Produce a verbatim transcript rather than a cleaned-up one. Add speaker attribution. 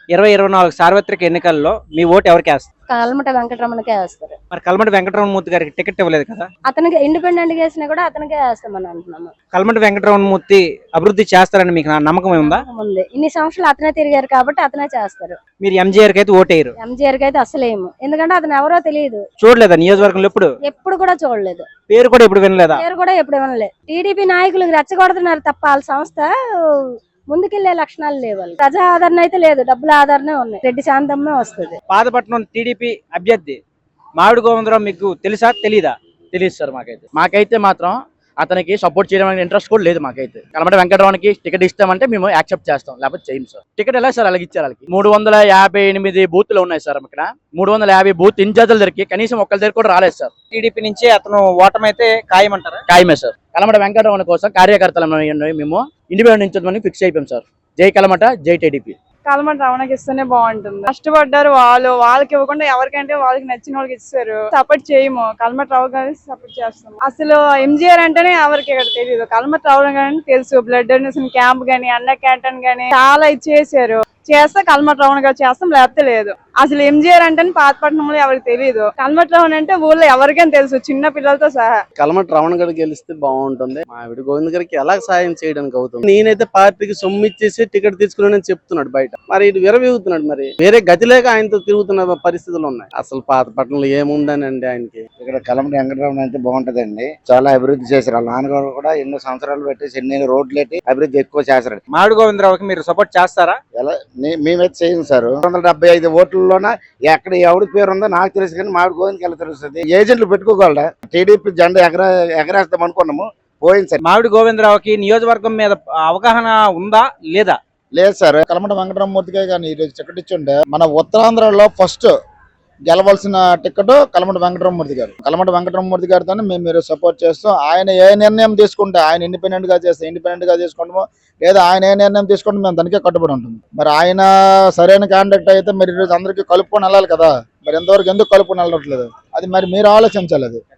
Speaker 1: ఇరవై ఇరవై నాలుగు సార్వత్రిక ఎన్నికల్లో మీ ఓటు ఎవరికి వేస్తారు?
Speaker 2: కల్మట వెంకటరమణకే వేస్తారు.
Speaker 1: మరి కల్మటి వెంకటరమణమూర్తి గారికి టికెట్ ఇవ్వలేదు కదా?
Speaker 2: అతనికి ఇండిపెండెంట్ గా వేసినా కూడా అతనికే వేస్తామని అంటున్నాము.
Speaker 1: కల్మటి వెంకటరమణమూర్తి అభివృద్ధి చేస్తారని మీకు నా నమ్మకం ఉందా?
Speaker 2: ఉంది. ఇన్ని సంవత్సరాలు అతనే తిరిగారు కాబట్టి అతనే చేస్తారు.
Speaker 1: మీరు ఎంజీఆర్ కి అయితే ఓటేయరు?
Speaker 2: ఎంజీఆర్ కి అయితే అసలేము, ఎందుకంటే అతను ఎవరో తెలియదు.
Speaker 1: చూడలేదా నియోజకవర్గంలో? ఎప్పుడు
Speaker 2: ఎప్పుడు కూడా చూడలేదు.
Speaker 1: పేరు కూడా ఎప్పుడు వినలేదా?
Speaker 2: పేరు కూడా ఎప్పుడు వినలేదు. టీడీపీ నాయకులు రెచ్చగొడుతున్నారు తప్ప వాళ్ళ సంస్థ ముందుకెళ్లే లక్షణాలు లేవు. ప్రజా ఆదరణ అయితే లేదు, డబ్బుల ఆదరణ ఉన్నాయి. రెడ్డి శాంతమ్మే వస్తుంది.
Speaker 1: పాతపట్నం టీడీపీ అభ్యర్థి మామిడి గోవిందరావు మీకు తెలుసా తెలీదా?
Speaker 3: తెలియదు సార్. మాకైతే మాకైతే మాత్రం అతనికి సపోర్ట్ చేయడం ఇంట్రెస్ట్ కూడా లేదు. మాకైతే కలమట వెంకటరావుకి టికెట్ ఇస్తామంటే మేము యాక్సెప్ట్ చేస్తాం, లేకపోతే చేయం సార్. టికెట్ ఎలా సార్ అలాగే ఇచ్చారు? వాళ్ళకి మూడు వందల యాభై ఎనిమిది బూత్లు ఉన్నాయి సార్. ఇక్కడ మూడు వందల యాభై బూత్ ఇన్ఛార్జీల దగ్గరికి కనీసం ఒక్కరి దగ్గర కూడా రాలేదు సార్.
Speaker 1: టీడీపీ నుంచి అతను ఓటమైతే ఖాయమంటారా?
Speaker 3: ఖాయమే సార్. కలమట వెంకటరావు కోసం కార్యకర్తలు మేము ఇండిపెండెంట్ నుంచి ఫిక్స్ అయిపోయాం సార్. జై కలమట, జై టీడీపీ.
Speaker 4: కలమట రమణకి ఇస్తేనే బాగుంటుంది. కష్టపడ్డారు వాళ్ళు, వాళ్ళకి ఇవ్వకుండా ఎవరికంటే వాళ్ళకి నచ్చిన వాళ్ళకి ఇస్తారు. సపోర్ట్ చేయము, కలమట రావు గారి సపోర్ట్ చేస్తాం. అసలు ఎంజీఆర్ అంటేనే ఎవరికి ఇక్కడ తెలియదు, కలమట రావు గాని తెలుసు. బ్లడ్ డొనేషన్ క్యాంప్ గానీ, అన్న క్యాంటీన్ గానీ చాలా ఇచ్చేసారు. చేస్తే కలమట రావణ గారు చేస్తాం, లేకపోతే లేదు. అసలు ఎంజీఆర్ అంటే పాతపట్నంలో ఎవరికి తెలియదు. కలమట రావణ అంటే ఊళ్ళో ఎవరికైనా తెలుసు, చిన్న పిల్లలతో సహా.
Speaker 5: కలమట రావణ గారు గెలిస్తే బాగుంటుంది. మావిడి గోవింద్ గారికి ఎలా సాయం చేయడానికి అవుతుంది? నేనైతే పార్టీకి సొమ్ము ఇచ్చేసి టికెట్ తీసుకున్నానని చెప్తున్నాడు బయట. మరి ఇటు విరవీగుతున్నాడు. మరి వేరే గతి లేక ఆయనతో తిరుగుతున్న పరిస్థితులు ఉన్నాయి. అసలు పాతపట్నంలో ఏముందని అండి ఆయనకి.
Speaker 6: ఇక్కడ కలమట వెంకటరామన్ అయితే బాగుంటదండి. చాలా అభివృద్ధి చేశారు. వాళ్ళ నాన్నగారు కూడా ఎన్నో సంవత్సరాలు పెట్టేసి ఎన్ని రోడ్లు పెట్టి అభివృద్ధి ఎక్కువ చేశారు.
Speaker 1: మామిడి గోవిందరావుకి మీరు సపోర్ట్ చేస్తారా?
Speaker 6: ఎలా మేమైతే చేయం సార్. రెండు వందల డెబ్బై ఐదు ఓట్లలోన ఎక్కడ ఎవడి పేరు ఉందో నాకు తెలుసు, కానీ మామిడి గోవిందకి ఎలా తెలుస్తుంది? ఏజెంట్లు పెట్టుకోగలరా? టీడీపీ జెండా ఎగర ఎగరేస్తాం అనుకున్నాము, పోయింది సార్.
Speaker 1: మామిడి గోవిందరావుకి నియోజకవర్గం మీద అవగాహన ఉందా లేదా?
Speaker 6: లేదు సార్. కలమట వెంకటరామమూర్తికే కానీ ఈరోజు టికెట్ ఇచ్చుంటే మన ఉత్తరాంధ్రలో ఫస్ట్ గెలవలసిన టికెట్ కలమట వెంకటరామమూర్తి గారు. కలమట వెంకటరామమూర్తి గారితో మేము మీరు సపోర్ట్ చేస్తాం. ఆయన ఏ నిర్ణయం తీసుకుంటే, ఆయన ఇండిపెండెంట్ గా చేస్తే ఇండిపెండెంట్ గా తీసుకుంటామో, లేదా ఆయన ఏ నిర్ణయం తీసుకుంటే మేము దానికే కట్టుబడి ఉంటుంది. మరి ఆయన సరైన కాంటాక్ట్ అయితే మరి ఈరోజు అందరికీ కలుపుకొని వెళ్ళాలి కదా. మరి ఎంతవరకు ఎందుకు కలుపుకొని వెళ్ళట్లేదు? అది మరి మీరు ఆలోచించాలి. అది